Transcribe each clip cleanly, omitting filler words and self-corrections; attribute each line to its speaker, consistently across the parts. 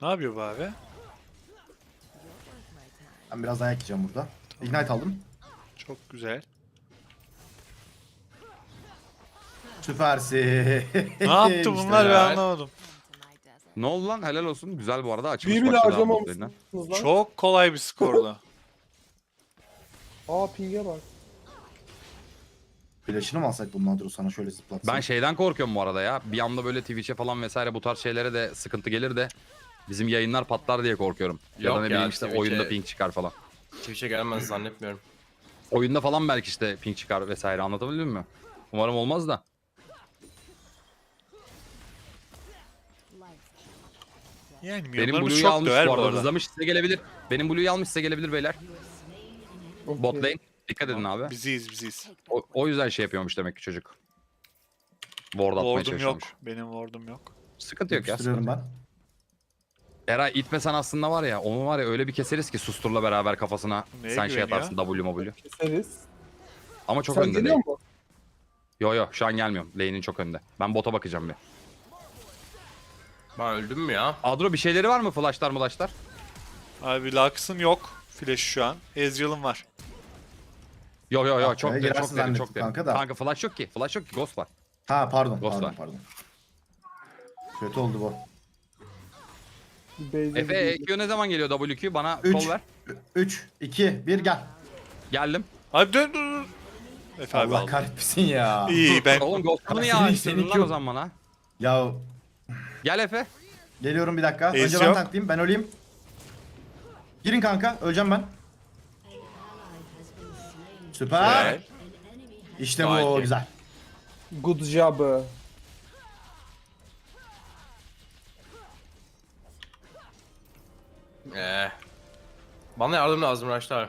Speaker 1: Ne yapıyor bu abi?
Speaker 2: Ben biraz dayak yiyeceğim burada. Ignite aldım.
Speaker 1: Çok güzel.
Speaker 2: Süpersin.
Speaker 1: Ne yaptı
Speaker 2: İşte
Speaker 1: bunlar ben
Speaker 2: ya.
Speaker 1: anlamadım.
Speaker 3: Ne oldu lan? Helal olsun. Güzel bu arada. Açılış
Speaker 4: Büyü bile
Speaker 3: başladı abi
Speaker 4: harcamamışsınız
Speaker 3: botlane'den.
Speaker 4: lan.
Speaker 1: Çok kolay bir skordu.
Speaker 4: Aa ping'e bak.
Speaker 2: Flash'ını mı alsak bunun Adro sana şöyle zıplatsın?
Speaker 3: Ben şeyden korkuyorum bu arada ya. Bir anda böyle Twitch'e falan vesaire bu tarz şeylere de sıkıntı gelir de bizim yayınlar patlar diye korkuyorum. Ya
Speaker 5: Yok
Speaker 3: da ne
Speaker 5: ya,
Speaker 3: bileyim işte
Speaker 5: Twitch'e-
Speaker 3: oyunda ping çıkar falan.
Speaker 5: Twitch'e gelmez zannetmiyorum.
Speaker 3: Oyunda falan belki işte ping çıkar vesaire, anlatabildim mi? Umarım olmaz da.
Speaker 1: Yani
Speaker 3: Benim
Speaker 1: milyonlarımız
Speaker 3: Blue'yu
Speaker 1: çok
Speaker 3: almış
Speaker 1: döver
Speaker 3: bu
Speaker 1: bu
Speaker 3: arada.
Speaker 1: arada.
Speaker 3: Hızlamış, size gelebilir. Benim Blue'yu almış, size gelebilir beyler.
Speaker 4: Okey.
Speaker 3: Bot lane. Dikkat edin abi.
Speaker 1: Biziz.
Speaker 3: O yüzden şey yapıyormuş demek ki çocuk. Ward atmaya
Speaker 1: Ward'um yok.
Speaker 3: çalışıyormuş.
Speaker 1: Benim ward'um yok.
Speaker 3: Sıkıntı yok ya.
Speaker 2: Yapıştırıyorum
Speaker 3: Sıkıntı.
Speaker 2: ben.
Speaker 3: Eray itmesen aslında var ya, onu var ya öyle bir keseriz ki Sustur'la beraber kafasına
Speaker 1: Neye
Speaker 3: sen şey
Speaker 1: güveniyor?
Speaker 3: atarsın W.
Speaker 4: Keseriz.
Speaker 3: Ama çok
Speaker 4: Sen
Speaker 3: önde
Speaker 4: geliyor
Speaker 3: değil.
Speaker 4: mu?
Speaker 3: Yo şu an gelmiyorum. Lane'in çok önde. Ben bota bakacağım bir.
Speaker 5: Ben öldüm mü ya?
Speaker 3: Adro bir şeyleri var mı? Flashlar?
Speaker 1: Abi Lux'ın yok. Flash şu an. Ezreal'ın var.
Speaker 3: Yo
Speaker 2: Ah
Speaker 3: çok
Speaker 2: be,
Speaker 3: derin,
Speaker 2: girersin
Speaker 3: çok derin,
Speaker 2: zannettim
Speaker 3: çok derin.
Speaker 2: kanka da.
Speaker 3: Kanka flash yok ki. Flash yok ki. Ghost var.
Speaker 2: Ha pardon
Speaker 3: Ghost var.
Speaker 2: pardon. Kötü oldu bu.
Speaker 4: Bir base'e
Speaker 3: Efe
Speaker 4: gidiyor.
Speaker 3: EQ ne zaman geliyor WQ? Bana
Speaker 2: 3,
Speaker 3: kol ver.
Speaker 2: 3, 2, 1 gel.
Speaker 3: Geldim.
Speaker 1: Abi dur. Efe abi
Speaker 2: Allah
Speaker 1: aldı.
Speaker 2: kahretmesin ya.
Speaker 1: İyi ben
Speaker 3: Oğlum Ghost'unu niye
Speaker 2: Senin-
Speaker 3: açtırdın
Speaker 2: senin
Speaker 3: lan o
Speaker 2: Q.
Speaker 3: zaman bana?
Speaker 2: Ya
Speaker 3: Gel Efe.
Speaker 2: geliyorum bir dakika.
Speaker 1: Ace
Speaker 2: Önce ben
Speaker 1: yok.
Speaker 2: tanklayayım, ben öleyim. Girin kanka, öleceğim ben. Süper.
Speaker 1: Güzel.
Speaker 2: İşte
Speaker 5: Gayet
Speaker 2: bu
Speaker 5: iyi.
Speaker 2: güzel.
Speaker 4: Good job.
Speaker 5: Bana yardım lazım Raşlar.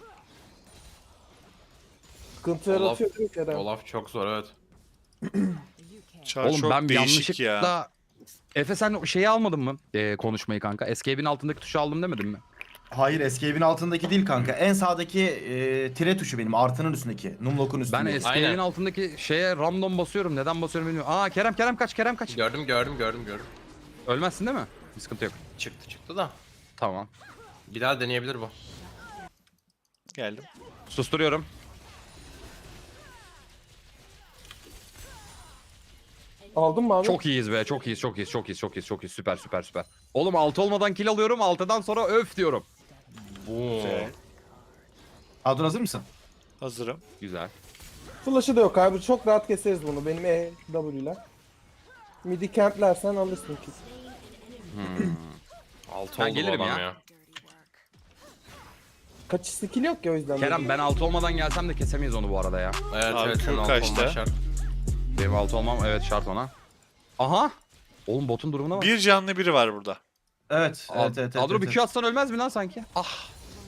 Speaker 4: Sıkıntı
Speaker 5: Olaf-
Speaker 4: yaratıyor değil mi Kerem?
Speaker 5: Olaf çok zor evet.
Speaker 1: Çar
Speaker 3: Oğlum
Speaker 1: çok
Speaker 3: ben
Speaker 1: değişik ya.
Speaker 3: yanlışlıkla... Efe sen o şeyi almadın mı? Konuşmayı kanka. Escape'in altındaki tuşu aldım demedin mi?
Speaker 2: Hayır, escape'in altındaki değil kanka. En sağdaki tire tuşu benim, artının üstündeki. Numlock'un
Speaker 3: Ben
Speaker 2: üstünde.
Speaker 3: Escape'in
Speaker 5: Aynen.
Speaker 3: altındaki şeye random basıyorum. Neden basıyorum bilmiyorum. Aa Kerem kaç.
Speaker 5: Gördüm.
Speaker 3: Ölmezsin değil mi? Bir sıkıntı yok.
Speaker 5: Çıktı da.
Speaker 3: Tamam.
Speaker 5: Bir daha deneyebilir bu.
Speaker 1: Geldim.
Speaker 3: Susturuyorum.
Speaker 4: Aldın mı abi?
Speaker 3: Çok iyiyiz be. Çok iyiyiz. Süper. Oğlum 6 olmadan kill alıyorum. 6'dan sonra öf diyorum.
Speaker 5: Bu.
Speaker 1: Güzel.
Speaker 2: Adro hazır mısın?
Speaker 1: Hazırım.
Speaker 3: Güzel.
Speaker 4: Flash'ı da yok abi. Çok rahat keseriz bunu. Benim W ile. Midi camplersen alırsın ki.
Speaker 5: Altı
Speaker 3: Ben
Speaker 5: oldu bu
Speaker 3: gelirim
Speaker 5: adam
Speaker 3: ya.
Speaker 5: ya.
Speaker 4: Kaçış skill yok ya o yüzden.
Speaker 3: Kerem ben 6 olmadan gelsem de kesemeyiz onu bu arada ya.
Speaker 5: Evet
Speaker 1: Abi,
Speaker 5: evet.
Speaker 1: Q
Speaker 5: senin altı
Speaker 1: kaçta?
Speaker 5: olman şart.
Speaker 3: Benim 6 olmam evet şart ona. Aha. Oğlum botun durumuna bak.
Speaker 1: Bir canlı biri var burada.
Speaker 2: Evet.
Speaker 3: Adro bir Q atsan ölmez mi lan sanki? Ah.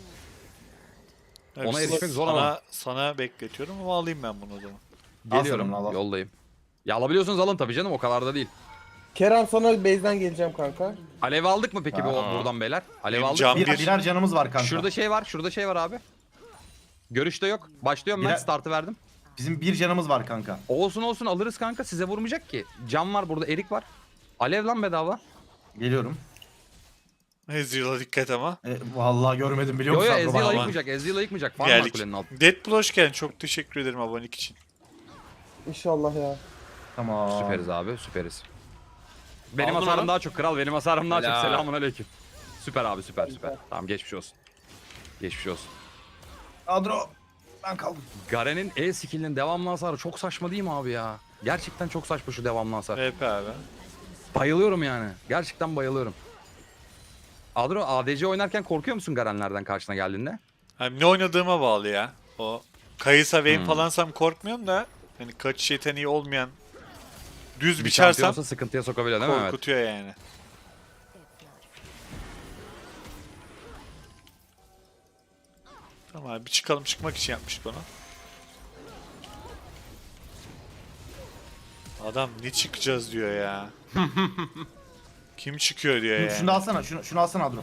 Speaker 1: Evet,
Speaker 3: Ona erişmek zor
Speaker 1: sana,
Speaker 3: ama.
Speaker 1: Sana bekletiyorum ama alayım ben bunu o zaman.
Speaker 3: Geliyorum.
Speaker 2: Al sana, al.
Speaker 3: Yoldayım. Ya alabiliyorsunuz alın tabii canım, o kadar da değil.
Speaker 4: Kerem sana base'den geleceğim kanka.
Speaker 3: Alev aldık mı peki
Speaker 5: Aa.
Speaker 3: buradan beyler? Alev
Speaker 1: Benim
Speaker 3: aldık.
Speaker 1: cam-
Speaker 2: Bir,
Speaker 1: Bir-
Speaker 2: birer canımız var kanka.
Speaker 3: Şurada şey var abi. Görüşte yok. Başlıyorum ben,
Speaker 2: Birer-
Speaker 3: startı verdim.
Speaker 2: Bizim bir canımız var kanka.
Speaker 3: Olsun alırız kanka, size vurmayacak ki. Cam var burada, erik var. Alev lan bedava.
Speaker 2: Geliyorum.
Speaker 1: Ezreal'a dikkat ama.
Speaker 2: Vallahi görmedim biliyor
Speaker 3: Yo
Speaker 2: musun? Adro
Speaker 3: Ezreal
Speaker 2: bana?
Speaker 3: ayıkmayacak, Ezreal ayıkmayacak. Var mı
Speaker 1: Geldik.
Speaker 3: kulenin altında?
Speaker 1: Deadpool hoş geldin. Çok teşekkür ederim abonelik için.
Speaker 4: İnşallah ya.
Speaker 2: Tamam.
Speaker 3: Süperiz abi, süperiz. Benim
Speaker 5: Aldın
Speaker 3: hasarım
Speaker 5: onu.
Speaker 3: daha çok kral, benim hasarım daha çok.
Speaker 5: Helal.
Speaker 3: Selamun aleyküm. Süper abi, süper. Tamam geçmiş olsun. Geçmiş olsun.
Speaker 2: Adro ben kaldım.
Speaker 3: Garen'in E skill'inin devamlı hasarı çok saçma değil mi abi ya? Gerçekten çok saçma şu devamlı hasar.
Speaker 1: VP abi.
Speaker 3: Bayılıyorum yani. Gerçekten bayılıyorum. Adro ADC oynarken korkuyor musun Garen'lerden karşına geldiğinde?
Speaker 1: Hani ne oynadığıma bağlı ya. O Kayısa Vayne
Speaker 3: Hmm.
Speaker 1: falansam korkmuyorum da hani kaçış yeteneği olmayan düz
Speaker 3: Bir
Speaker 1: biçersem
Speaker 3: şampiyonsa sıkıntıya sokabiliyor değil mi? Evet.
Speaker 1: korkutuyor yani. Tamam abi çıkmak için yapmış bunu. Adam ne çıkacağız diyor ya. Kim çıkıyor diyor yani.
Speaker 2: Şunu da alsana, şunu alsana Adro.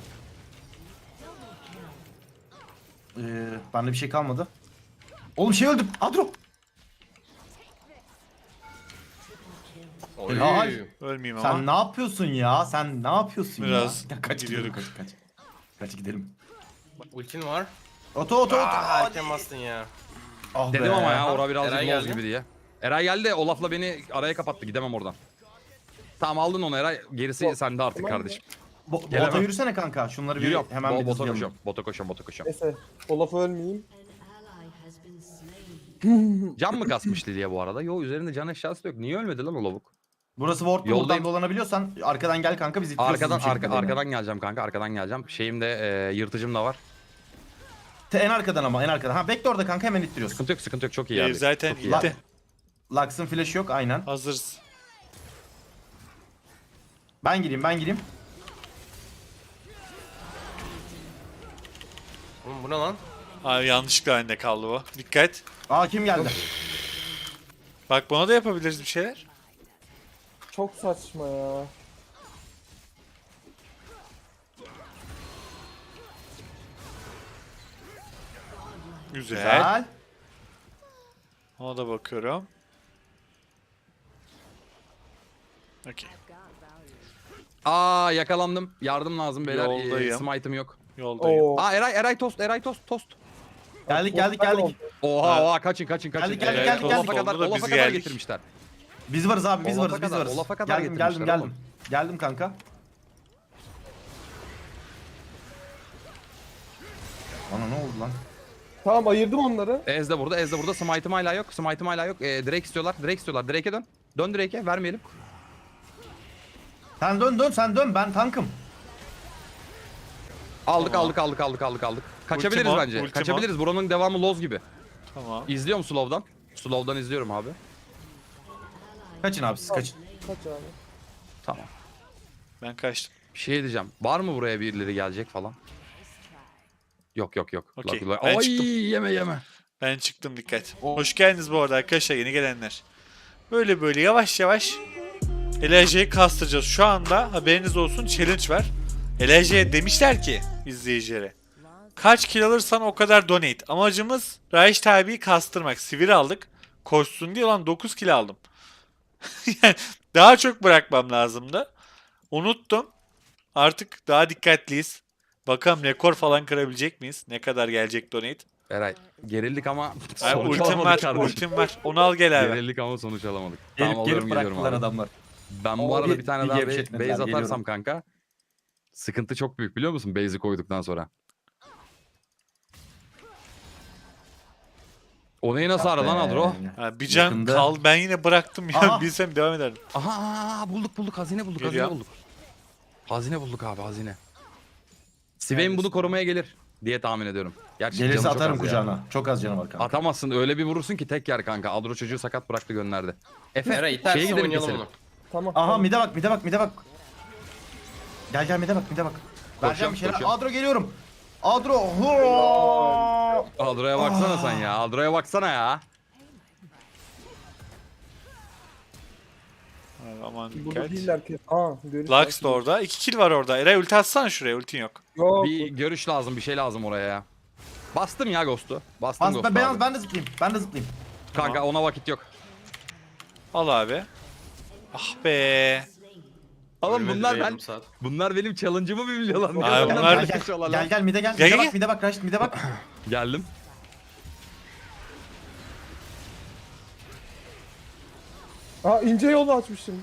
Speaker 2: Bende bir şey kalmadı. Oğlum şey öldüm. Adro.
Speaker 5: Oy.
Speaker 2: Helal.
Speaker 1: Ölmeyeyim
Speaker 2: Sen
Speaker 1: ama.
Speaker 2: ne yapıyorsun ya? Sen ne yapıyorsun
Speaker 1: Biraz
Speaker 2: ya? Kaç gidelim
Speaker 1: gidiyorduk.
Speaker 2: kaç. Kaç gidelim.
Speaker 5: Ultin var.
Speaker 2: Oto.
Speaker 5: Erken bastın ya.
Speaker 2: Ah
Speaker 3: Dedim
Speaker 2: be.
Speaker 3: ama ya ora birazcık
Speaker 5: Eray
Speaker 3: loz
Speaker 5: geldi.
Speaker 3: gibi diye. Eray geldi Olaf'la beni araya kapattı gidemem oradan. Tamam aldın onu Eray gerisi sende artık
Speaker 4: Tamam
Speaker 3: kardeşim.
Speaker 2: Bota
Speaker 3: Gelemem.
Speaker 2: yürüsene kanka. Şunları bir
Speaker 3: Yürüyorum.
Speaker 2: hemen bir
Speaker 3: Bota
Speaker 2: hızlayalım.
Speaker 3: koşuyorum. Bota koşuyorum.
Speaker 4: Neyse. Olaf'a ölmeyeyim.
Speaker 3: Can mı kasmış Lilia bu arada? Yo üzerinde can eşyası da yok. Niye ölmedi lan o lavuk?
Speaker 2: Burası wardlu,
Speaker 3: Yoldayım.
Speaker 2: buradan dolanabiliyorsan arkadan gel kanka, biz ittiriyoruz
Speaker 3: Arkadan
Speaker 2: bir şekilde beni.
Speaker 3: arkadan geleceğim kanka arkadan geleceğim. Şeyim de yırtıcım da var.
Speaker 2: En arkadan ama en arkadan. Ha bekle orada kanka, hemen ittiriyorsun.
Speaker 3: Sıkıntı yok çok iyi
Speaker 1: Ev
Speaker 3: abi.
Speaker 1: zaten
Speaker 3: Çok iyi.
Speaker 1: gitti.
Speaker 2: Lux'ın flash'ı yok aynen.
Speaker 1: Hazırız.
Speaker 2: Ben gireyim.
Speaker 5: Oğlum bu ne lan?
Speaker 1: Abi yanlışlıkla bende kaldı bu. Dikkat.
Speaker 2: Aa kim geldi?
Speaker 1: Bak buna da yapabiliriz bir şeyler.
Speaker 4: Çok saçma ya.
Speaker 1: Güzel.
Speaker 2: Güzel.
Speaker 1: Ona da bakıyorum. Okey.
Speaker 3: Aa yakalandım. Yardım lazım beyler.
Speaker 1: Yoldayım.
Speaker 3: Smite'ım yok.
Speaker 1: Yoldayım.
Speaker 4: Oo.
Speaker 3: Aa Eray tost.
Speaker 2: Geldik.
Speaker 3: Oha kaçın.
Speaker 2: Geldik.
Speaker 3: Olaf'a kadar,
Speaker 1: Oldu da biz
Speaker 3: Olaf'a kadar
Speaker 1: geldik.
Speaker 3: getirmişler.
Speaker 2: Biz varız abi, biz
Speaker 3: Olaf'a
Speaker 2: varız.
Speaker 3: kadar, Olaf'a kadar
Speaker 2: Geldim.
Speaker 3: getirmişler oğlum.
Speaker 2: Geldim kanka. Bana ne oldu lan?
Speaker 4: Tamam ayırdım onları.
Speaker 3: Ez de burada. Smite'ım hala yok. Drake istiyorlar. Drake'e dön. Dön Drake'e vermeyelim.
Speaker 2: Sen dön, ben tankım.
Speaker 3: Aldık. Kaçabiliriz
Speaker 1: Ultimo,
Speaker 3: bence.
Speaker 1: ultimo.
Speaker 3: Kaçabiliriz. Buranın devamı loz gibi.
Speaker 1: Tamam.
Speaker 3: İzliyorum slow'dan. Slow'dan izliyorum abi.
Speaker 2: Kaçın abi, siz kaçın.
Speaker 4: Kaç abi.
Speaker 3: Tamam.
Speaker 1: Ben kaçtım.
Speaker 3: Bir şey diyeceğim. Var mı buraya birileri gelecek falan? Yok.
Speaker 1: Okey,
Speaker 3: Lak.
Speaker 1: ben
Speaker 3: Ay
Speaker 1: çıktım.
Speaker 3: yeme.
Speaker 1: Ben çıktım, dikkat. Hoş geldiniz bu arada arkadaşlar, yeni gelenler. Böyle yavaş LHC'yi kastıracağız. Şu anda haberiniz olsun, challenge var. LHC'ye demişler ki izleyicilere, kaç kill alırsan o kadar donate. Amacımız Raiş abiyi kastırmak. Sivir aldık. Koşsun diye lan 9 kill aldım. Yani daha çok bırakmam lazımdı. Unuttum. Artık daha dikkatliyiz. Bakalım rekor falan kırabilecek miyiz? Ne kadar gelecek donate?
Speaker 3: Eray gerildik ama
Speaker 1: Abi
Speaker 3: sonuç
Speaker 1: ultim
Speaker 3: alamadık
Speaker 1: var,
Speaker 3: kardeşim.
Speaker 1: ultim var. Onu al gel abi.
Speaker 3: Gerildik ama sonuç alamadık.
Speaker 2: Gelip
Speaker 3: Tamam alıyorum
Speaker 2: gelip
Speaker 3: gidiyorum
Speaker 2: bıraktılar
Speaker 3: abi.
Speaker 2: adamlar.
Speaker 3: Ben bu
Speaker 2: O
Speaker 3: arada
Speaker 2: bir-
Speaker 3: bir tane
Speaker 2: bir
Speaker 3: daha
Speaker 2: gevşetmediler,
Speaker 3: base atarsam
Speaker 2: geliyorum.
Speaker 3: kanka sıkıntı çok büyük biliyor musun base'i koyduktan sonra. O neyi nasıl ara lan Adro?
Speaker 1: Ha, bir can
Speaker 2: Yakında.
Speaker 1: kal. Ben yine bıraktım ya.
Speaker 2: Aha.
Speaker 1: Bilsem devam ederdim.
Speaker 3: Aha bulduk hazine bulduk
Speaker 1: Geliyor.
Speaker 3: Hazine bulduk abi hazine. Swain bunu korumaya gelir diye tahmin ediyorum. Gerçi
Speaker 2: Gelirse
Speaker 3: canı çok
Speaker 2: atarım
Speaker 3: az ya.
Speaker 2: kucağına. Çok az canı var kanka.
Speaker 3: Atamazsın öyle bir vurursun ki tek yer kanka. Adro çocuğu sakat bıraktı gönderdi. Efe
Speaker 5: Eray
Speaker 3: şeye
Speaker 5: itersen
Speaker 3: gidelim
Speaker 5: oynayalım
Speaker 3: keselim.
Speaker 5: onu.
Speaker 4: Tamam.
Speaker 2: Aha
Speaker 4: tamam.
Speaker 2: mide bak. Gel mide bak. Vereceğim bir şeyler.
Speaker 3: koşuyorum.
Speaker 2: Adro geliyorum. Adro. Huaa!
Speaker 3: Adro'ya baksana sen ya. Adro'ya baksana ya.
Speaker 1: Abi, aman
Speaker 4: Burada
Speaker 1: dikkat.
Speaker 4: değiller ki. Aa görüş.
Speaker 1: Lux da orada. 2 kill var orada. Eray ulti atsana şuraya. Ultin yok.
Speaker 4: Yok.
Speaker 3: Bir görüş lazım, bir şey lazım oraya ya. Bastım ya Ghost'u. Bastım Ghost'u
Speaker 2: Ben,
Speaker 3: abi.
Speaker 2: ben de zıplayayım.
Speaker 3: Kanka ona vakit yok.
Speaker 1: Al abi. Ah be.
Speaker 3: Oğlum
Speaker 5: Ölmedi
Speaker 3: bunlar
Speaker 5: be
Speaker 3: ben
Speaker 5: yarım saat.
Speaker 3: bunlar benim challenge'ımı mı biliyorlar?
Speaker 1: Abi
Speaker 3: Bunlar
Speaker 1: bunlar-
Speaker 3: benden kaçıyorlar lan.
Speaker 2: Gel mide gel.
Speaker 1: Gel.
Speaker 2: Mide bak Raşit mide bak.
Speaker 3: Geldim.
Speaker 4: Aa ince yolu açmışım.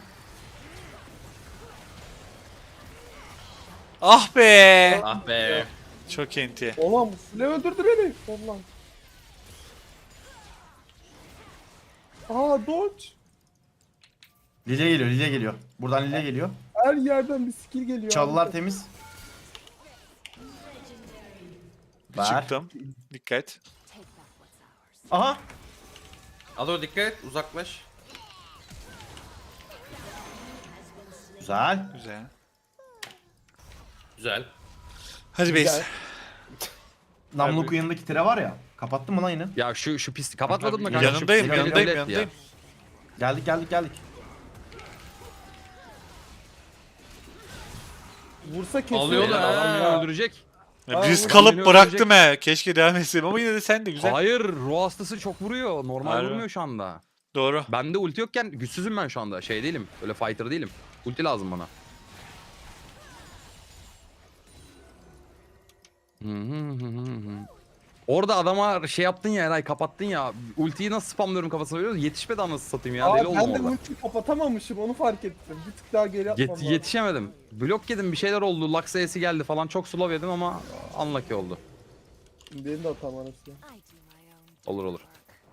Speaker 1: Ah be.
Speaker 5: Ah be.
Speaker 1: Çok enti.
Speaker 4: Ulan bu file öldürdü beni. Ulan. Aa dodge.
Speaker 2: Lilya geliyor. Buradan Lilya geliyor.
Speaker 4: Her yerden bir skill geliyor.
Speaker 2: Çalılar
Speaker 4: abi.
Speaker 2: temiz.
Speaker 1: Bir
Speaker 2: Ver.
Speaker 1: çıktım. Dikkat.
Speaker 2: Aha.
Speaker 5: Alo dikkat et, uzaklaş.
Speaker 2: Güzel.
Speaker 1: Güzel.
Speaker 5: Güzel.
Speaker 1: Hadi
Speaker 4: Güzel.
Speaker 1: base.
Speaker 2: Namluku yanındaki tire var ya. Kapattın mı lan yine?
Speaker 3: Ya şu pis kapatmadın mı kanka?
Speaker 1: Yanındayım,
Speaker 3: Şu pis-
Speaker 1: yanındayım,
Speaker 3: Millet
Speaker 1: yanındayım.
Speaker 2: Geldik.
Speaker 4: Vursa kesiyor.
Speaker 5: Alıyorlar
Speaker 3: Beyler,
Speaker 5: ha.
Speaker 3: adam beni öldürecek.
Speaker 1: Ya,
Speaker 4: Aa,
Speaker 1: biz
Speaker 4: bu
Speaker 1: kalıp
Speaker 3: beni
Speaker 1: bıraktım he. Keşke devam etseydim ama yine de sen de güzel.
Speaker 3: Hayır, ruh hastası çok vuruyor. Normal
Speaker 1: Harbi.
Speaker 3: vurmuyor şu anda.
Speaker 1: Doğru.
Speaker 3: Bende ulti yokken güçsüzüm ben şu anda. Şey değilim. Öyle fighter değilim. Ulti lazım bana. Orada adama şey yaptın ya Eray, kapattın ya. Ultiyi nasıl spamlıyorum kafasına veriyoruz. Yetişmedi anasını satayım ya. Deli
Speaker 4: Abi
Speaker 3: oldum
Speaker 4: ben de
Speaker 3: orada.
Speaker 4: ulti kapatamamışım onu fark ettim. Bir tık daha geri yapmam lazım.
Speaker 3: Yetişemedim. Blok yedim, bir şeyler oldu. Lux E'si geldi falan. Çok slow yedim ama unlucky oldu.
Speaker 4: Benim de hatam arası.
Speaker 3: Olur olur.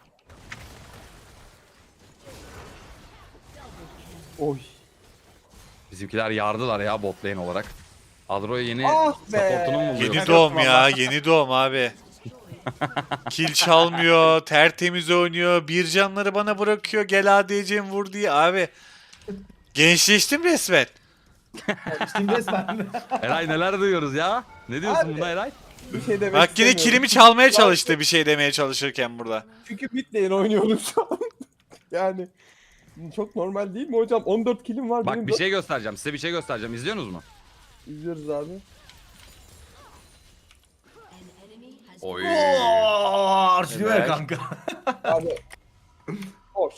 Speaker 4: Oy.
Speaker 3: Bizimkiler yardılar ya bot lane olarak. Adro'ya yeni
Speaker 4: Ah be!
Speaker 3: supportunu mu buluyor?
Speaker 1: Yeni doğum ya. Yeni doğum abi. Kill çalmıyor. Tertemiz oynuyor. Bir canları bana bırakıyor. Gel ADC'm vur diye. Abi. Gençleştim resmen.
Speaker 2: Şimdi resmen.
Speaker 3: Eray neler duyuyoruz ya? Ne diyorsun
Speaker 4: Abi.
Speaker 3: buna Eray?
Speaker 4: Bir şey demek
Speaker 1: Bak yine
Speaker 4: istemiyorum.
Speaker 1: kilimi çalmaya çalıştı bir şey demeye çalışırken burada.
Speaker 4: Çünkü mid lane oynuyorum şu an. Yani çok normal değil mi hocam? 14 kilim var.
Speaker 3: Bak
Speaker 4: benim
Speaker 3: bir
Speaker 4: dört-
Speaker 3: şey göstereceğim. Size bir şey göstereceğim. İzliyorsunuz mu?
Speaker 4: İzliyoruz abi.
Speaker 5: Oy.
Speaker 2: Arşiliyor ya
Speaker 1: Evet.
Speaker 2: kanka.
Speaker 4: Abi. Hoş.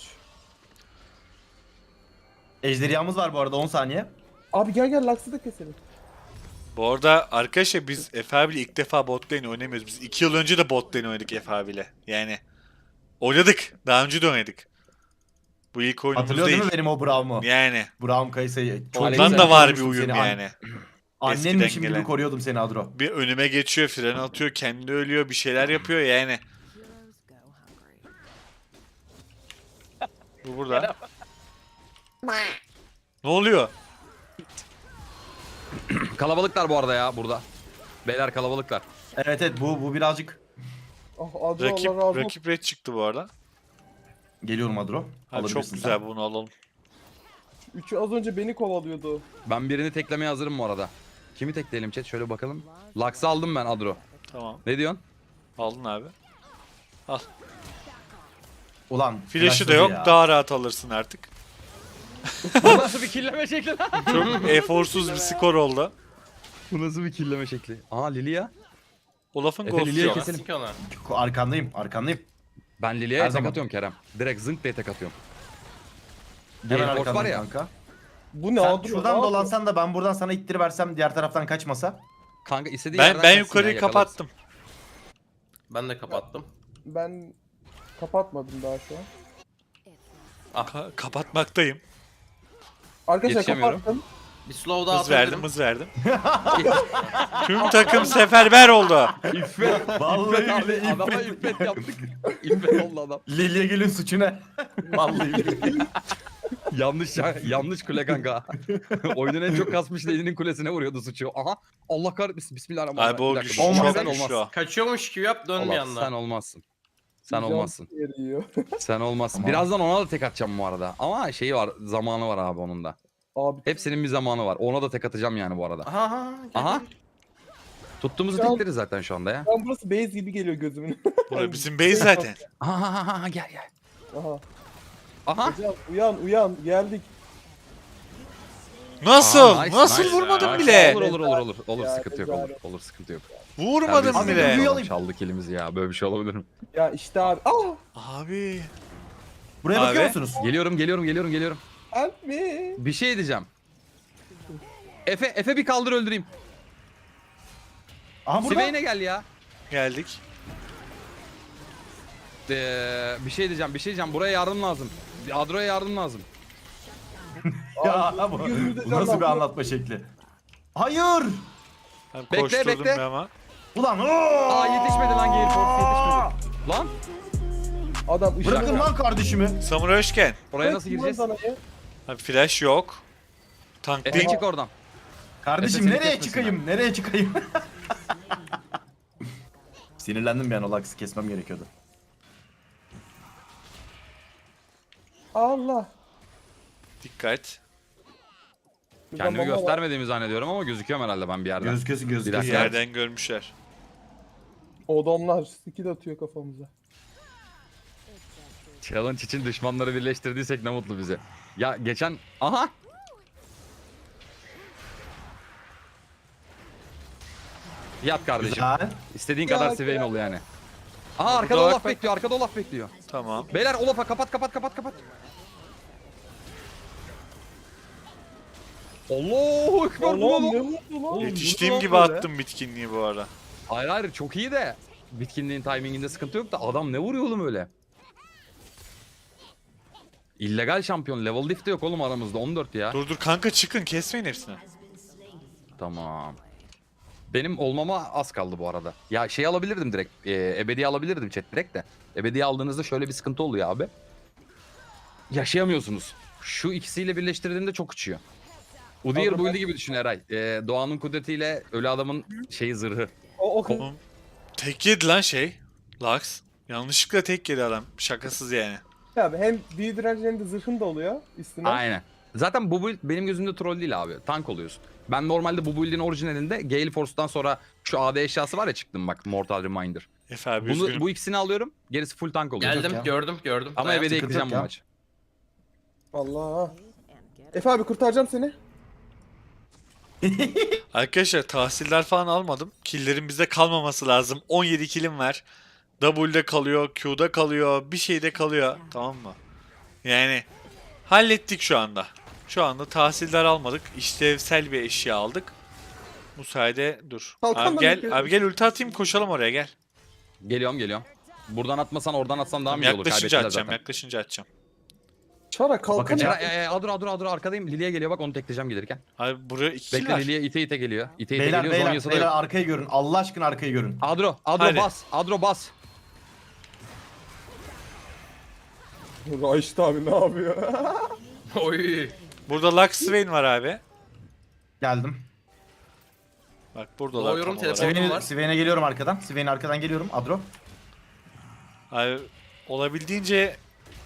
Speaker 2: Ejderhamız var bu arada 10 saniye.
Speaker 4: Abi gel Lux'ı da keselim.
Speaker 1: Bu arada arkadaşlar biz Efe abiyle ilk defa bot lane oynamıyoruz. Biz 2 yıl önce de bot lane oynadık Efe abiyle. Yani oynadık. Daha önce de oynadık. Bu ilk oyunumuz
Speaker 2: Hatırlıyor değil
Speaker 1: değil.
Speaker 2: mi benim o Braum'u?
Speaker 1: Yani.
Speaker 2: Braum Kayısı'yı.
Speaker 1: Ondan da var bir uyum
Speaker 2: Seni
Speaker 1: yani.
Speaker 2: Annenmişim
Speaker 1: Eskiden
Speaker 2: gibi
Speaker 1: gelen.
Speaker 2: koruyordum seni Adro.
Speaker 1: Bir önüme geçiyor, fren atıyor, kendi ölüyor, bir şeyler yapıyor yani. Bu burada. Ne oluyor?
Speaker 3: Kalabalıklar bu arada ya burada. Beyler kalabalıklar.
Speaker 2: Evet bu birazcık.
Speaker 4: Ah Adro
Speaker 1: Rakip
Speaker 4: Allah razı olsun.
Speaker 1: rakip red çıktı bu arada.
Speaker 2: Geliyorum Adro.
Speaker 1: Ha, çok
Speaker 2: Alabilirsin
Speaker 1: güzel
Speaker 2: sen.
Speaker 1: bunu alalım.
Speaker 4: Üçü az önce beni kovalıyordu.
Speaker 3: Ben birini teklemeye hazırım bu arada. Kimi tekleyelim chat? Şöyle bakalım. Lux'ı aldım ben Adro.
Speaker 1: Tamam.
Speaker 3: Ne diyorsun?
Speaker 1: Aldın abi.
Speaker 2: Ulan.
Speaker 1: Flash'ı da
Speaker 2: flashladı
Speaker 1: yok.
Speaker 2: ya.
Speaker 1: Daha rahat alırsın artık.
Speaker 3: Bu nasıl bir killeme şekli lan?
Speaker 1: Çok eforsuz bir skor oldu.
Speaker 3: Bu nasıl bir killeme şekli? Aa Lilia.
Speaker 1: Olaf'ın
Speaker 3: Efe, Lilia'yı
Speaker 1: ghost'u.
Speaker 3: keselim.
Speaker 5: Kesin ki ona.
Speaker 2: Arkandayım.
Speaker 3: Ben Lilia'ya
Speaker 2: Her
Speaker 3: tek
Speaker 2: zaman.
Speaker 3: atıyorum Kerem. Direkt zınk diye tek atıyorum.
Speaker 2: Hemen
Speaker 3: Gale Force var
Speaker 2: arkandayım
Speaker 3: ya.
Speaker 2: kanka.
Speaker 4: Bu ne
Speaker 2: Sen
Speaker 4: Adro?
Speaker 2: şuradan dolansan da ben buradan sana ittiriversem diğer taraftan kaçmasa.
Speaker 3: Kanka istediği
Speaker 1: Ben
Speaker 3: yerden
Speaker 1: ben
Speaker 3: kaçsın
Speaker 1: yukarıyı
Speaker 3: ya, yakalarız.
Speaker 1: kapattım.
Speaker 5: Ben de kapattım.
Speaker 4: Ben kapatmadım daha şu an.
Speaker 1: Kapatmaktayım.
Speaker 4: Arkadaşlar
Speaker 3: Yetişemiyorum.
Speaker 4: kapattım.
Speaker 5: Bir slow daha
Speaker 1: Hız verdim,
Speaker 5: atabilirim.
Speaker 1: hız verdim. Tüm takım seferber oldu.
Speaker 3: İffet.
Speaker 2: Vallahi bile
Speaker 3: Adama
Speaker 2: iffet.
Speaker 3: iffet yaptık. İffet oldu adam.
Speaker 2: Lilya gelin suçu ne? Vallahi bile.
Speaker 3: yanlış kule kanka. Oyunun en çok kasmış Lady'nin kulesine vuruyordu suçu. Aha. Allah kahretmesin. Bismillahirrahmanirrahim.
Speaker 1: Abi o
Speaker 3: Bir dakika,
Speaker 1: güç
Speaker 3: bu
Speaker 2: Olmaz,
Speaker 1: çok
Speaker 3: sen
Speaker 1: güçlü o.
Speaker 3: olmaz.
Speaker 5: Kaçıyormuş gibi yap dön bir
Speaker 3: Allah,
Speaker 5: anda.
Speaker 3: sen olmazsın. Sen
Speaker 4: Can
Speaker 3: olmazsın.
Speaker 4: yer yiyor.
Speaker 3: Sen olmazsın.
Speaker 2: Tamam.
Speaker 3: Birazdan ona da tek atacağım bu arada. Ama şeyi var, zamanı var abi onun da.
Speaker 4: Abi
Speaker 3: Hepsinin bir zamanı var. Ona da tek atacağım yani bu arada.
Speaker 5: Aha.
Speaker 3: Aha. Tuttuğumuzu
Speaker 4: Can-
Speaker 3: tekleriz zaten şu anda ya.
Speaker 4: ben burası base gibi geliyor gözümün.
Speaker 1: Burası bizim base zaten.
Speaker 3: Aha gel.
Speaker 4: Aha.
Speaker 3: Aha.
Speaker 4: Hocam uyan geldik.
Speaker 1: Nasıl?
Speaker 3: Aa, nice,
Speaker 1: Nasıl
Speaker 3: nice.
Speaker 1: vurmadım
Speaker 5: Ya,
Speaker 1: bile?
Speaker 3: Olur
Speaker 4: Ya,
Speaker 3: sıkıntı yok
Speaker 4: güzel.
Speaker 3: olur sıkıntı yok.
Speaker 1: Vurmadım
Speaker 3: Terbiyesiz
Speaker 1: bile.
Speaker 2: Abi,
Speaker 3: adam, çaldık elimizi ya, böyle bir şey olabilir mi?
Speaker 4: Ya işte abi.
Speaker 1: Abi.
Speaker 2: Buraya
Speaker 1: Abi.
Speaker 2: bakıyor musunuz?
Speaker 3: Geliyorum.
Speaker 4: Help me.
Speaker 3: Bir şey diyeceğim. Efe bir kaldır öldüreyim.
Speaker 2: Aha burada.
Speaker 3: Siveyne gel ya.
Speaker 1: Geldik.
Speaker 3: Bir şey diyeceğim. Buraya yardım lazım. Adro'ya yardım lazım.
Speaker 2: Ya bu,
Speaker 4: Gözümüzde
Speaker 2: bu nasıl bir
Speaker 4: canlandı.
Speaker 2: anlatma şekli? Hayır.
Speaker 1: Ben
Speaker 3: Bekle,
Speaker 1: koşturdum
Speaker 3: bekle.
Speaker 1: bir ama.
Speaker 2: Ulan
Speaker 3: Aa yetişmedi lan Gale Force yetişmedi. Lan
Speaker 4: Adam ışık.
Speaker 2: bırakın lan kardeşimi.
Speaker 1: Samuray hoşken.
Speaker 3: oraya nasıl gireceğiz?
Speaker 1: Abi flash yok. Tank
Speaker 3: Efe
Speaker 1: değil.
Speaker 3: çık oradan.
Speaker 2: Kardeşim
Speaker 3: Efe seni
Speaker 2: nereye
Speaker 3: kesmesin
Speaker 2: çıkayım? Nereye çıkayım? Sinirlendim bir an o Lux'ı kesmem gerekiyordu.
Speaker 4: Allah.
Speaker 1: Dikkat.
Speaker 3: Kendimi
Speaker 4: Baba var.
Speaker 3: göstermediğimi zannediyorum ama gözüküyorum herhalde ben bir yerden.
Speaker 2: Gözüküyorsun
Speaker 3: Bir
Speaker 1: Bir
Speaker 2: gözüküyorsun.
Speaker 3: dakika.
Speaker 1: yerden görmüşler.
Speaker 4: Adamlar skill atıyor kafamıza.
Speaker 3: Challenge için düşmanları birleştirdiysek ne mutlu bize. Ya geçen... Aha! Yat kardeşim.
Speaker 2: Güzel.
Speaker 3: İstediğin
Speaker 4: Ya,
Speaker 3: kadar Swain ol yani. Aha arkada
Speaker 1: Burada
Speaker 3: Olaf
Speaker 1: bak.
Speaker 3: bekliyor. Arkada Olaf bekliyor.
Speaker 1: Tamam.
Speaker 3: Beyler Olaf'a kapat. Allahu ekber.
Speaker 4: Allah'ım
Speaker 3: bu
Speaker 4: ne
Speaker 3: ne lan?
Speaker 4: mutlu lan.
Speaker 3: Oğlum,
Speaker 1: Yetiştiğim
Speaker 3: bu ne
Speaker 1: gibi
Speaker 3: lan böyle?
Speaker 1: attım bitkinliği bu arada.
Speaker 3: Hayır çok iyi de. Bitkinliğin timinginde sıkıntı yok da adam ne vuruyor oğlum öyle? İllegal şampiyon. Level diff de yok oğlum aramızda 14 ya.
Speaker 1: Dur kanka çıkın kesmeyin hepsini.
Speaker 3: Tamam. Benim olmama az kaldı bu arada. Ya şey alabilirdim direkt. Ebedi alabilirdim chat direkt de. Ebedi aldığınızda şöyle bir sıkıntı oluyor abi. Yaşayamıyorsunuz. Şu ikisiyle birleştirdiğinde çok uçuyor. Udyr
Speaker 4: Abi
Speaker 3: build'i gibi düşün Eray. Doğanın kudretiyle ölü adamın şeyi zırhı.
Speaker 4: O
Speaker 1: Oğlum tek yedi lan şey. Lux. Yanlışlıkla tek yedi adam. Şakasız yani.
Speaker 4: abi hem büyü direnci hem de zırhın da oluyor üstüne.
Speaker 3: Aynen. Zaten bu build benim gözümde troll değil abi. Tank oluyorsun. Ben normalde bu build'in orijinalinde Gale Force'dan sonra şu AD eşyası var ya çıktım bak Mortal Reminder.
Speaker 1: Efe abi üzgünüm.
Speaker 3: Bu ikisini alıyorum. Gerisi full tank oluyor.
Speaker 5: Geldim
Speaker 2: ya.
Speaker 5: gördüm.
Speaker 3: Ama
Speaker 5: Dayan.
Speaker 3: ebedi
Speaker 2: sıkıntı
Speaker 3: ekleyeceğim
Speaker 2: yok
Speaker 3: bu
Speaker 2: ya.
Speaker 3: maç.
Speaker 4: Allah. Efe abi kurtaracağım seni.
Speaker 1: Arkadaşlar tahsiller falan almadım. Killerin bizde kalmaması lazım. 17 killim var. W'de kalıyor, Q'da kalıyor, bir şeyde kalıyor. Tamam mı? Yani hallettik şu anda. Şu anda tahsiller almadık. İşlevsel bir eşya aldık. Bu sayede dur.
Speaker 4: Kalkan
Speaker 1: Abi
Speaker 4: da
Speaker 1: gel,
Speaker 4: bekliyorum.
Speaker 1: abi gel ulti atayım koşalım oraya gel.
Speaker 3: Geliyorum. Buradan atmasan oradan atsan daha mı iyi olur?
Speaker 1: Yaklaşınca
Speaker 3: Kaybettiler
Speaker 1: atacağım,
Speaker 3: zaten.
Speaker 1: yaklaşınca atacağım.
Speaker 4: Çara kalkan.
Speaker 2: Bakacağım.
Speaker 3: Adro arkadayım. Lilia geliyor bak onu tekleyeceğim gelirken.
Speaker 1: Abi buraya 2 kill
Speaker 3: Bekle
Speaker 1: var.
Speaker 3: Lilia ite geliyor. İte
Speaker 2: Beyler
Speaker 3: geliyor.
Speaker 2: beyler
Speaker 3: Zonya'sı da
Speaker 2: beyler
Speaker 3: yok.
Speaker 2: arkayı görün. Allah aşkına arkayı görün.
Speaker 3: Adro
Speaker 1: Hadi.
Speaker 3: bas. Adro bas.
Speaker 4: Raişit abi ne yapıyor?
Speaker 5: Oy.
Speaker 1: Burada Lux Swain var abi.
Speaker 2: Geldim.
Speaker 1: Bak buradalar
Speaker 5: Doğuyorum,
Speaker 1: tam olarak.
Speaker 5: telefon- var.
Speaker 2: Sven'e geliyorum arkadan. Sven'e arkadan geliyorum. Adro.
Speaker 1: Abi olabildiğince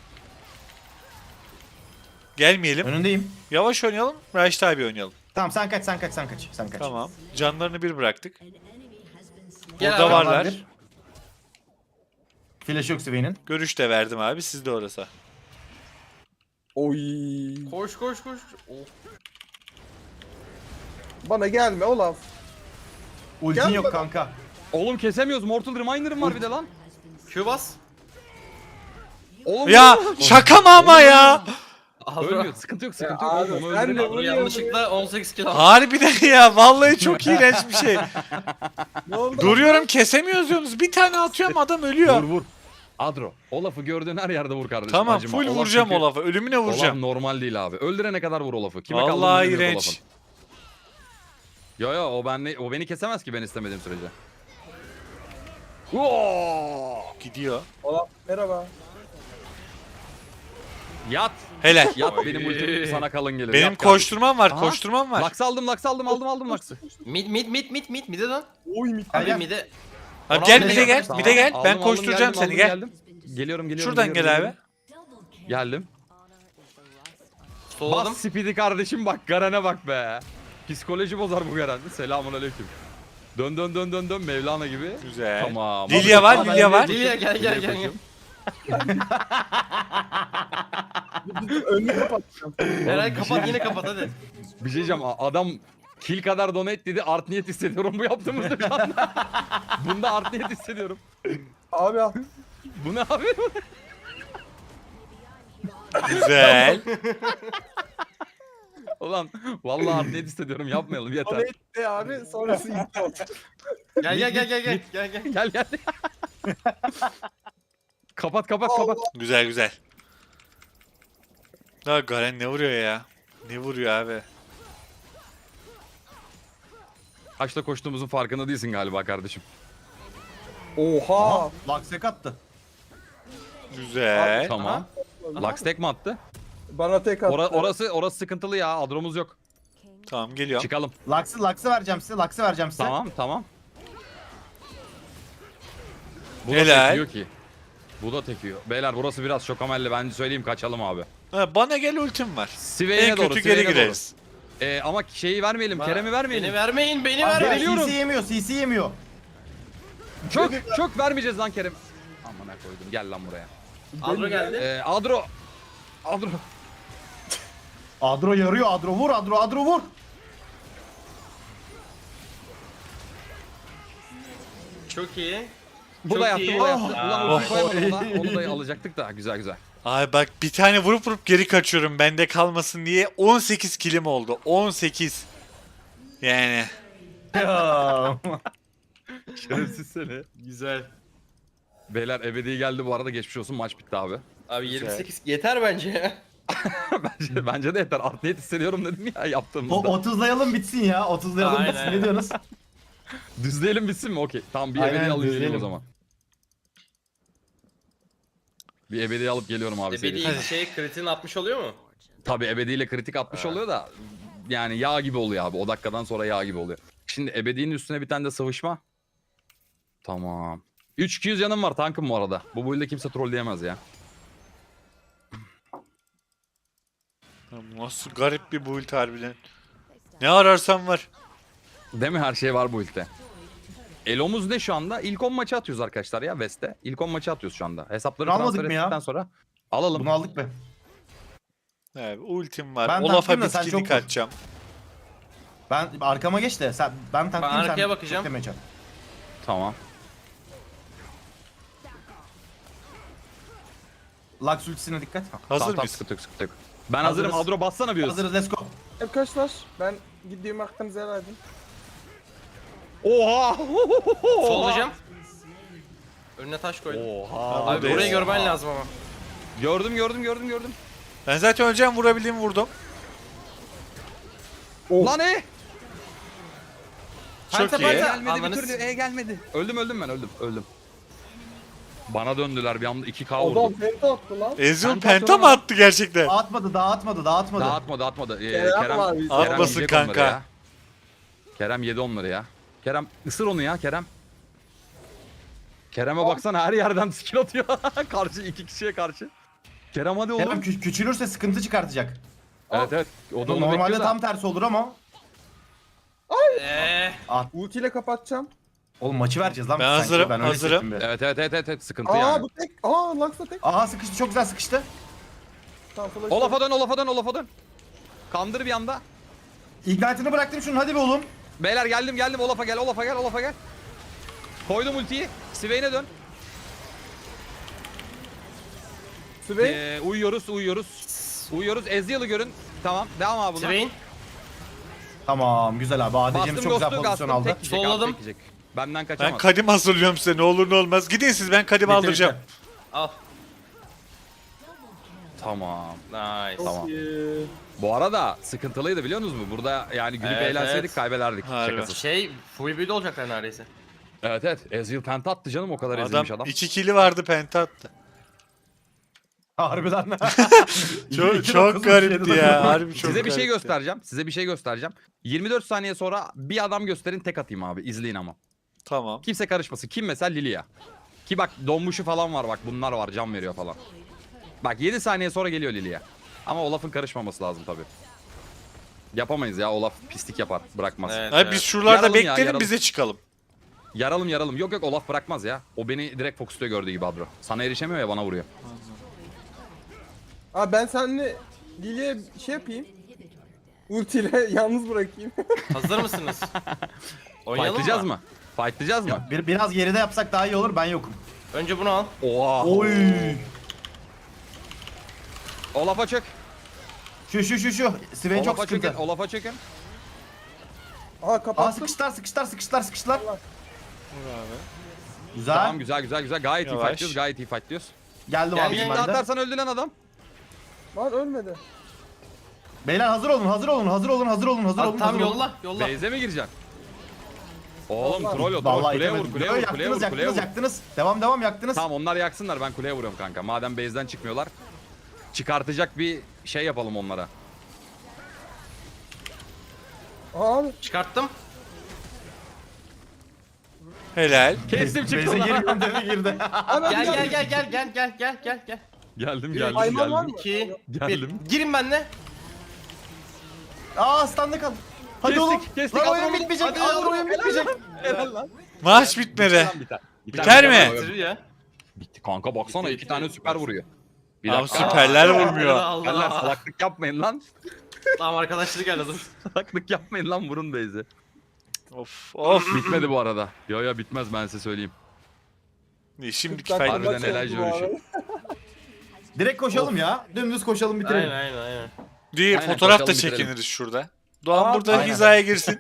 Speaker 1: gelmeyelim.
Speaker 2: Önündeyim.
Speaker 1: Yavaş oynayalım. Raşit abi oynayalım.
Speaker 2: Tamam sen kaç. Sen kaç.
Speaker 1: Tamam. Canlarını bir bıraktık.
Speaker 5: Gel
Speaker 1: Burada
Speaker 5: abi.
Speaker 1: varlar.
Speaker 2: bir. Flash yok Sven'in.
Speaker 1: Görüş de verdim abi. Sizde orası.
Speaker 4: Oy.
Speaker 5: Koş. Oh.
Speaker 4: Bana gelme Olaf.
Speaker 2: Ultin
Speaker 4: Gel
Speaker 2: yok
Speaker 4: bana.
Speaker 2: kanka.
Speaker 3: Oğlum kesemiyoruz. Mortal Reminder'ım var bir de lan.
Speaker 5: Q bas.
Speaker 3: Oğlum
Speaker 1: Ya şaka mı ama ya?
Speaker 3: ölmüyor. Sıkıntı yok.
Speaker 4: Ya
Speaker 3: Onu
Speaker 4: abi, sen
Speaker 3: öldürelim.
Speaker 4: de
Speaker 5: Adro yanlışlıkla 18 kill aldı.
Speaker 1: Harbiden ya. Vallahi çok iğrenç bir şey.
Speaker 4: Ne oldu?
Speaker 1: Duruyorum kesemiyoruz diyorsunuz. Bir tane atıyorum adam ölüyor.
Speaker 3: Vur. Adro. Olaf'ı gördüğün her yerde vur kardeşim.
Speaker 1: Tamam
Speaker 3: acıma.
Speaker 1: full
Speaker 3: Olaf
Speaker 1: vuracağım
Speaker 3: çünkü-
Speaker 1: Olaf'a. Ölümüne
Speaker 3: Olaf
Speaker 1: vuracağım.
Speaker 3: normal değil abi. Öldürene kadar vur Olaf'ı. Kime kaldığını
Speaker 1: Vallahi
Speaker 3: bilmiyor
Speaker 1: iğrenç.
Speaker 3: Olaf'ın. Yo o beni kesemez ki ben istemediğim sürece. Oo!
Speaker 1: Gidiyor.
Speaker 4: Olaf merhaba.
Speaker 3: Yat.
Speaker 1: Helal.
Speaker 3: Yat
Speaker 5: Oy.
Speaker 3: benim ultim sana kalın gelir.
Speaker 1: Benim
Speaker 3: Yat kardeşim.
Speaker 1: koşturmam var.
Speaker 3: Aha.
Speaker 1: Koşturmam var.
Speaker 3: Laks aldım Laks'ı.
Speaker 5: Mid lan.
Speaker 4: Oy mi?
Speaker 2: Gel,
Speaker 5: Abi
Speaker 2: gel.
Speaker 5: mid'e.
Speaker 1: Abi gel
Speaker 5: Tamam,
Speaker 1: bir de gel.
Speaker 5: tamam.
Speaker 1: Bir de gel. Ben
Speaker 3: Aldım,
Speaker 1: koşturacağım
Speaker 3: geldim,
Speaker 1: seni gel.
Speaker 3: geldim. Geliyorum.
Speaker 1: Şuradan gel abi.
Speaker 3: Geldim.
Speaker 5: Solladım.
Speaker 3: Bas speed'i kardeşim bak Garen'e bak be. Psikoloji bozar bu Garen. Selamun aleyküm. Dön Mevlana gibi.
Speaker 1: Güzel.
Speaker 3: Tamam.
Speaker 1: Lilia var,
Speaker 3: Abi,
Speaker 1: Lilia var.
Speaker 5: Lilia gel.
Speaker 3: koşuyorum.
Speaker 4: Önünü kapatacağım.
Speaker 5: Eray kapat yine kapat hadi.
Speaker 3: Bir şey diyeceğim adam kill kadar donate dedi art niyet hissediyorum bu yaptığımızda şu anda. Bunda art niyet hissediyorum.
Speaker 4: Abi al.
Speaker 3: Bu ne abi?
Speaker 1: Güzel.
Speaker 3: Ulan vallahi art niyet hissediyorum yapmayalım
Speaker 4: O
Speaker 3: yeter.
Speaker 4: neydi abi? Sonrası gitti oldu.
Speaker 5: Gel.
Speaker 3: Gel. kapat.
Speaker 1: Güzel. Ya Garen ne vuruyor ya? Ne vuruyor abi?
Speaker 3: Kaçta koştuğumuzun farkında değilsin galiba kardeşim.
Speaker 4: Oha.
Speaker 2: Laksek attı.
Speaker 1: Güzel.
Speaker 3: Tamam. Lux tek mi attı?
Speaker 4: Bana tek attı.
Speaker 3: Orası sıkıntılı ya. Adromuz yok.
Speaker 1: Tamam geliyorum.
Speaker 3: Çıkalım.
Speaker 2: Laks'ı vereceğim size.
Speaker 3: Tamam. Bu da
Speaker 1: Helal.
Speaker 3: tekiyor ki. Bu da tekiyor. Beyler burası biraz şokamelli. Ben söyleyeyim kaçalım abi.
Speaker 1: Ha, bana gel ultim var.
Speaker 3: Sivey'e
Speaker 1: En
Speaker 3: doğru.
Speaker 1: kötü
Speaker 3: Sivey'e
Speaker 1: geri
Speaker 3: doğru.
Speaker 1: gireriz.
Speaker 3: Ama şeyi vermeyelim. Kerem'i vermeyelim.
Speaker 5: Beni vermeyin.
Speaker 3: Geliyorum.
Speaker 2: CC yemiyor.
Speaker 3: Çok vermeyeceğiz lan Kerem. Amına koydum. Gel lan buraya.
Speaker 5: Adro geldi.
Speaker 3: Adro.
Speaker 2: Adro yarıyor. Adro vur.
Speaker 5: Çok iyi.
Speaker 3: Bu da
Speaker 5: Çok
Speaker 3: yattı,
Speaker 5: iyi.
Speaker 3: bu da yattı.
Speaker 5: Oh.
Speaker 3: Ulan ulti koyamadım ona. Onu da alacaktık da. Güzel güzel.
Speaker 1: Ay bak bir tane vurup geri kaçıyorum bende kalmasın diye 18 kilim oldu. 18. Yani.
Speaker 2: Ya.
Speaker 3: Şerefsiz seni.
Speaker 5: Güzel.
Speaker 3: Beyler ebedi geldi bu arada, geçmiş olsun, maç bitti abi.
Speaker 5: Abi 28 yeter bence ya.
Speaker 3: bence de yeter. Art niyet hissediyorum dedim ya
Speaker 2: O
Speaker 3: yaptığımızda.
Speaker 2: 30'layalım bitsin ya. 30'layalım
Speaker 5: Aynen.
Speaker 2: bitsin. Ne diyorsunuz?
Speaker 3: Düzleyelim bitsin mi? Okey. Tamam, bir
Speaker 2: Aynen,
Speaker 3: ebedi alıp geliyorum o
Speaker 2: düzleyelim.
Speaker 3: zaman. Bir ebedi alıp geliyorum abi.
Speaker 5: Ebedi
Speaker 3: serisi.
Speaker 5: şey kritiğini atmış oluyor mu?
Speaker 3: Tabii ebediyle kritik atmış oluyor da yani yağ gibi oluyor abi. O dakikadan sonra yağ gibi oluyor. Şimdi ebedinin üstüne bir tane de sıvışma. Tamam. 3-200 canım var tankım bu arada. Bu build'de kimse trolleyemez ya.
Speaker 1: Nasıl garip bir build harbiden. Ne ararsan var.
Speaker 3: Değil mi? Her şey var bu build'de. Elo'muz ne şu anda? İlk 10 maçı atıyoruz arkadaşlar ya West'te. İlk 10 maçı atıyoruz şu anda. Hesapları
Speaker 2: Almadık
Speaker 3: transfer
Speaker 2: mı ya?
Speaker 3: ettikten sonra alalım.
Speaker 2: Bunu aldık be.
Speaker 1: Evet, ultim var.
Speaker 2: Ben
Speaker 1: Olaf'a
Speaker 2: taktım da sen
Speaker 1: bitkinlik
Speaker 2: çok vur.
Speaker 1: atacağım.
Speaker 2: Ben arkama geç de ben tanklayayım sen.
Speaker 5: arkaya bakacağım.
Speaker 2: beklemeyeceğim.
Speaker 3: Tamam.
Speaker 2: Lux ultisine dikkat.
Speaker 1: Hazır
Speaker 3: Tamam,
Speaker 1: mıyız?
Speaker 3: sıkıntı yok, sıkıntı yok. Ben
Speaker 2: Hazırız.
Speaker 3: hazırım. Adro bassana bir hız.
Speaker 2: Hazırız, let's go.
Speaker 4: Arkadaşlar ben gideyim hakkınızı helal edin.
Speaker 3: Oha!
Speaker 5: Sollayacağım. Önüne taş koydum.
Speaker 3: Oha!
Speaker 5: Abi
Speaker 1: Buradayız.
Speaker 5: burayı görmen lazım ama.
Speaker 3: Gördüm.
Speaker 1: Ben zaten öleceğim, vurabildiğimi vurdum.
Speaker 3: Lan
Speaker 1: Çok
Speaker 5: Penta,
Speaker 1: iyi.
Speaker 5: penta.
Speaker 3: gelmedi
Speaker 5: Ananı
Speaker 3: bir türlü. Gelmedi. Öldüm ben öldüm. Bana döndüler bir anda 2K
Speaker 4: Adam
Speaker 3: vurdum.
Speaker 4: penta attı lan.
Speaker 1: Ezreal
Speaker 3: Penta
Speaker 1: penta mı
Speaker 3: atıyor
Speaker 1: attı gerçekten?
Speaker 2: Dağıtmadı.
Speaker 3: Dağıtmadı.
Speaker 4: Kerem var bizde.
Speaker 1: Atmasın
Speaker 3: yiyecek onları
Speaker 1: kanka.
Speaker 3: ya. Kerem yedi onları ya. Kerem ısır onu ya Kerem. Kerem'e baksana, her yerden skill atıyor. Karşı 2 kişiye karşı. Kerem hadi
Speaker 2: Kerem
Speaker 3: oğlum.
Speaker 2: küçülürse sıkıntı çıkartacak.
Speaker 3: Evet. O da onu
Speaker 2: Normalde
Speaker 3: bekliyor da.
Speaker 2: tam tersi olur ama.
Speaker 4: Ultiyle kapatacağım.
Speaker 2: Oğlum maçı vereceğiz lan.
Speaker 1: Ben
Speaker 2: sanki.
Speaker 1: hazırım,
Speaker 2: Ben öyle
Speaker 1: hazırım.
Speaker 2: hissettim bir.
Speaker 3: Evet. Sıkıntı
Speaker 4: Aa
Speaker 3: yani.
Speaker 4: bu tek. Aa Lux da tek.
Speaker 2: Aha sıkıştı, çok güzel sıkıştı.
Speaker 4: Tamam flash.
Speaker 3: Olaf'a dön. Kandır bir anda.
Speaker 2: Ignite'ını bıraktım şunun, hadi be oğlum.
Speaker 3: Beyler geldim. Olaf'a gel. Koydum ultiyi. Swain'e dön.
Speaker 4: Swain.
Speaker 3: Uyuyoruz. Ezreal'ı görün. Tamam. Devam abi buna.
Speaker 5: Swain.
Speaker 2: Tamam güzel abi. ADC'miz
Speaker 3: Bastım
Speaker 2: çok güzel
Speaker 3: Ghost'u,
Speaker 2: pozisyon
Speaker 3: Gastım,
Speaker 2: aldı.
Speaker 3: tek yiyecek,
Speaker 5: Solladım.
Speaker 3: abi, tek yiyecek. Benden
Speaker 1: Ben
Speaker 3: kaçamaz.
Speaker 1: kadim hazırlıyorum size, ne olur ne olmaz. Gidin siz, ben kadim
Speaker 2: Bitti,
Speaker 1: aldıracağım.
Speaker 2: bitti.
Speaker 5: Al.
Speaker 3: Tamam.
Speaker 5: Nice.
Speaker 3: Tamam. Bu arada sıkıntılıydı biliyor musunuz mu? Burada yani gülüp
Speaker 5: Evet,
Speaker 3: eğlenseydik
Speaker 5: evet.
Speaker 3: kaybederdik.
Speaker 1: Harbi.
Speaker 3: Şakasız.
Speaker 5: Şey full build olacaklar neredeyse.
Speaker 3: Evet. Ezreal penta attı canım, o kadar ezilmiş adam.
Speaker 1: 2 kili vardı, penta attı.
Speaker 2: Harbiden.
Speaker 1: Çok garipti ya. Harbi çok
Speaker 3: Size bir şey
Speaker 1: garipti.
Speaker 3: göstereceğim. 24 saniye sonra bir adam gösterin, tek atayım abi. İzleyin ama.
Speaker 1: Tamam.
Speaker 3: Kimse karışmasın. Kim mesela? Lilia. Ki bak donmuşu falan var, bak bunlar var, can veriyor falan. Bak 7 saniye sonra geliyor Lilia. Ama Olaf'ın karışmaması lazım tabii. Yapamayız ya, Olaf pislik yapar, bırakmaz.
Speaker 5: Evet.
Speaker 1: Abi biz şuralarda
Speaker 3: Yaralım ya,
Speaker 1: bekleyelim,
Speaker 3: yaralım.
Speaker 1: bize çıkalım.
Speaker 3: Yaralım. Yok Olaf bırakmaz ya. O beni direkt fokusuyor gördüğü gibi Adro. Sana erişemiyor ya, bana vuruyor.
Speaker 4: Aa ben seninle Lily'e şey yapayım. Ultiyle yalnız bırakayım.
Speaker 5: Hazır mısınız? Oynayalım
Speaker 3: Fightlayacağız
Speaker 5: mı?
Speaker 3: mı? Fightlayacağız mı?
Speaker 2: Biraz geride yapsak daha iyi olur, ben yokum.
Speaker 5: Önce bunu al.
Speaker 3: Oha.
Speaker 2: Oy.
Speaker 3: Olaf'a çök.
Speaker 2: Şu. Swain çok sıkıntı.
Speaker 3: Olaf'a çökün.
Speaker 4: Aa
Speaker 2: Aa
Speaker 4: kapattım.
Speaker 2: sıkıştılar. Güzel.
Speaker 3: Tamam güzel. Gayet
Speaker 1: Yavaş.
Speaker 3: iyi fightlıyoruz.
Speaker 2: Geldim
Speaker 5: Gel,
Speaker 2: abi
Speaker 5: gel,
Speaker 2: ben
Speaker 3: Şimdi
Speaker 2: de.
Speaker 3: atarsan öldü lan adam.
Speaker 4: Lan ölmedi.
Speaker 2: Beyler hazır olun.
Speaker 5: Al, tam yolla.
Speaker 3: Base'e mi gireceksin? Oğlum
Speaker 4: Vallahi-
Speaker 3: troll o,
Speaker 2: Vallahi
Speaker 3: kuleye vur,
Speaker 2: itemedim.
Speaker 3: kuleye vur.
Speaker 2: Yaktınız. Devam yaktınız.
Speaker 3: Tamam onlar yaksınlar, ben kuleye vuruyorum kanka. Madem base'den çıkmıyorlar. Çıkartacak bir şey yapalım onlara.
Speaker 4: Aa abi.
Speaker 5: Çıkarttım.
Speaker 1: Helal.
Speaker 3: Kestim
Speaker 2: Beyze
Speaker 3: çıktı lan.
Speaker 2: girmiyorum dedi, girdi.
Speaker 4: Abi
Speaker 5: Gel.
Speaker 3: Geldim.
Speaker 4: Hayvan var mı?
Speaker 5: 2
Speaker 3: Geldim.
Speaker 5: 1. Girin benle.
Speaker 2: Aa standa kal. Hadi
Speaker 3: Kestik,
Speaker 2: oğlum.
Speaker 3: kestik.
Speaker 2: Lan oyun
Speaker 3: Adamı-
Speaker 2: bitmeyecek.
Speaker 5: Hadi
Speaker 2: Lan
Speaker 5: oğlum.
Speaker 2: oyun bitmeyecek.
Speaker 3: Helal lan.
Speaker 1: Maç bitmedi. Biter mi?
Speaker 5: Bitirir ya.
Speaker 3: Bitti kanka, baksana iki tane süper vuruyor. Bir
Speaker 1: Abi
Speaker 3: dakika.
Speaker 1: süperler vurmuyor.
Speaker 3: Beyler
Speaker 5: Allah.
Speaker 3: salaklık yapmayın lan.
Speaker 5: Tamam arkadaşlık geldi.
Speaker 3: Salaklık yapmayın lan, vurun base'i.
Speaker 1: Of.
Speaker 3: Bitmedi bu arada. Yo bitmez, ben size söyleyeyim.
Speaker 1: Şimdiki
Speaker 4: 40 dakika
Speaker 1: faydalı.
Speaker 3: Harbiden
Speaker 4: maç
Speaker 3: Elijah
Speaker 4: oldu bu
Speaker 3: ölüşü.
Speaker 4: arada.
Speaker 2: Direkt koşalım ya. Dümdüz koşalım bitirelim.
Speaker 5: Aynen.
Speaker 1: Diye
Speaker 3: Aynen,
Speaker 1: fotoğraf da
Speaker 3: koşalım, bitirelim.
Speaker 1: çekiniriz şurada. Doğan
Speaker 4: Aa,
Speaker 1: burada
Speaker 2: aynen.
Speaker 1: hizaya girsin.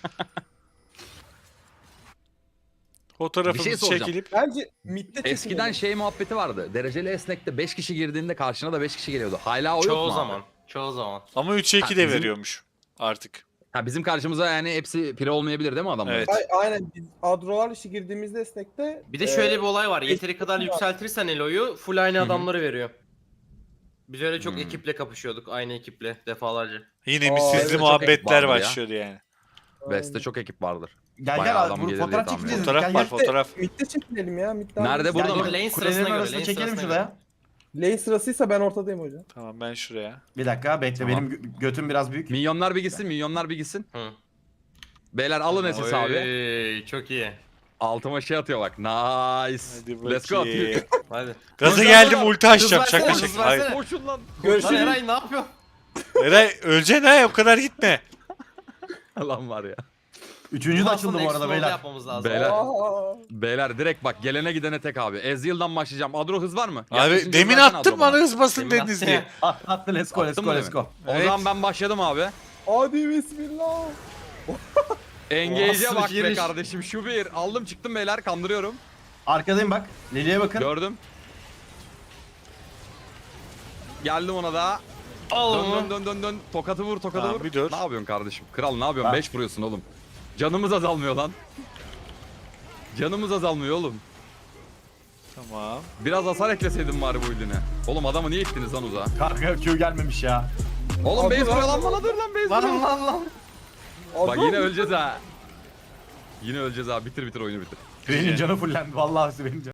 Speaker 3: Bir
Speaker 1: Fotoğrafımız
Speaker 3: şey soracağım.
Speaker 1: çekilip.
Speaker 4: Bence midde
Speaker 3: Eskiden şey muhabbeti vardı. Dereceli esnekte 5 kişi girdiğinde karşına da 5 kişi geliyordu. Hala o yok mu?
Speaker 5: Çoğu
Speaker 3: abi?
Speaker 5: zaman. Çoğu zaman.
Speaker 1: Ama 3'e 2 de
Speaker 3: bizim-
Speaker 1: veriyormuş artık.
Speaker 3: Ha, bizim karşımıza yani hepsi pire olmayabilir değil mi adamlar?
Speaker 1: Evet.
Speaker 4: Aynen biz adrolar işi girdiğimizde esnekte
Speaker 5: Bir de şöyle bir olay var.
Speaker 4: eski
Speaker 5: Yeteri kadar
Speaker 4: var.
Speaker 5: yükseltirsen Elo'yu full aynı
Speaker 3: Hı hı.
Speaker 5: adamları veriyor. Biz öyle çok
Speaker 3: Hmm.
Speaker 5: ekiple kapışıyorduk. Aynı ekiple defalarca.
Speaker 1: Yine
Speaker 4: Aa,
Speaker 1: bir
Speaker 4: evet,
Speaker 1: sizli
Speaker 3: çok
Speaker 1: muhabbetler
Speaker 3: ekip vardı ya.
Speaker 1: başlıyordu yani.
Speaker 3: Beste çok ekip vardır.
Speaker 2: Gel
Speaker 3: Bayağı
Speaker 2: gel
Speaker 3: adam
Speaker 2: abi.
Speaker 3: gelir
Speaker 2: Fotoğraf
Speaker 3: diye tahmin
Speaker 2: çekeceğiz.
Speaker 1: Fotoğraf
Speaker 2: Gel,
Speaker 1: var
Speaker 2: gel.
Speaker 1: fotoğraf.
Speaker 4: midde çekinelim ya. Midde
Speaker 3: Nerede? Burada
Speaker 2: Gel,
Speaker 3: mı?
Speaker 2: gel.
Speaker 5: Lane
Speaker 2: Kulelerin
Speaker 5: sırasına göre,
Speaker 2: arasında
Speaker 5: lane
Speaker 2: çekelim
Speaker 5: sırasına
Speaker 2: şuraya.
Speaker 4: Lane sırasıysa ben ortadayım hocam.
Speaker 1: Tamam ben şuraya.
Speaker 2: Bir dakika bekle
Speaker 3: Tamam.
Speaker 2: benim götüm biraz büyük.
Speaker 3: Milyonlar bir gitsin, milyonlar bir gitsin.
Speaker 5: Hı.
Speaker 3: Beyler alın SS abi.
Speaker 5: Oy, çok iyi.
Speaker 3: Altıma şey atıyor bak. Nice.
Speaker 1: Hadi
Speaker 3: Let's go.
Speaker 1: bakayım.
Speaker 5: Hadi.
Speaker 1: Gaza geldim ulti açacağım.
Speaker 5: Hız versene,
Speaker 1: Şaka
Speaker 5: hız
Speaker 1: şaka. Hayır.
Speaker 5: versene.
Speaker 3: Koşun lan.
Speaker 5: Lan
Speaker 4: Görüşürüz.
Speaker 5: Eray ne yapıyor?
Speaker 1: Eray öleceksin ha o kadar gitme.
Speaker 3: Lan var ya.
Speaker 2: Üçüncü de açıldı bu arada
Speaker 5: Explode
Speaker 2: beyler.
Speaker 5: yapmamız lazım.
Speaker 3: Beyler.
Speaker 4: Aa,
Speaker 3: Beyler direkt bak gelene gidene tek abi. Ezreal'dan başlayacağım. Adro hız var mı?
Speaker 1: Abi
Speaker 3: Yaklaşınca
Speaker 1: demin
Speaker 3: versene
Speaker 1: attım
Speaker 3: Adro
Speaker 1: bana hız basın
Speaker 5: Demin
Speaker 1: dediniz
Speaker 5: attı
Speaker 1: diye.
Speaker 5: ya.
Speaker 2: Attı let's go let's
Speaker 3: Attın
Speaker 2: go
Speaker 3: mı
Speaker 2: let's go.
Speaker 3: O
Speaker 1: Evet.
Speaker 3: zaman ben başladım abi.
Speaker 4: hadi bismillah.
Speaker 3: Engage'e
Speaker 5: Nasıl
Speaker 3: bak be
Speaker 5: giriş?
Speaker 3: kardeşim. Şu bir. Aldım çıktım beyler kandırıyorum.
Speaker 2: Arkadayım bak. Lili'ye bakın.
Speaker 3: Gördüm. Geldim ona da.
Speaker 5: Al
Speaker 3: Dön
Speaker 5: onu.
Speaker 3: dön dön dön dön. Tokatı vur tokatı
Speaker 1: Tamam,
Speaker 3: vur.
Speaker 1: bir dur.
Speaker 3: Ne yapıyorsun kardeşim? Kral ne yapıyorsun?
Speaker 2: Ha.
Speaker 3: 5 vuruyorsun oğlum. Canımız azalmıyor lan. Canımız azalmıyor oğlum.
Speaker 1: Tamam.
Speaker 3: Biraz hasar ekleseydin bari bu iline. Oğlum adamı niye ittiniz lan uzağa?
Speaker 2: Kanka Q gelmemiş ya.
Speaker 3: Oğlum
Speaker 4: Abi
Speaker 3: base
Speaker 4: lan.
Speaker 3: vuruyor lan bana dur lan base
Speaker 5: Lan
Speaker 3: vuruyor.
Speaker 5: lan.
Speaker 3: Bak yine öleceğiz ha. Yine öleceğiz ha. Bitir bitir oyunu bitir.
Speaker 2: Benim canı fullendi vallahi benim canım.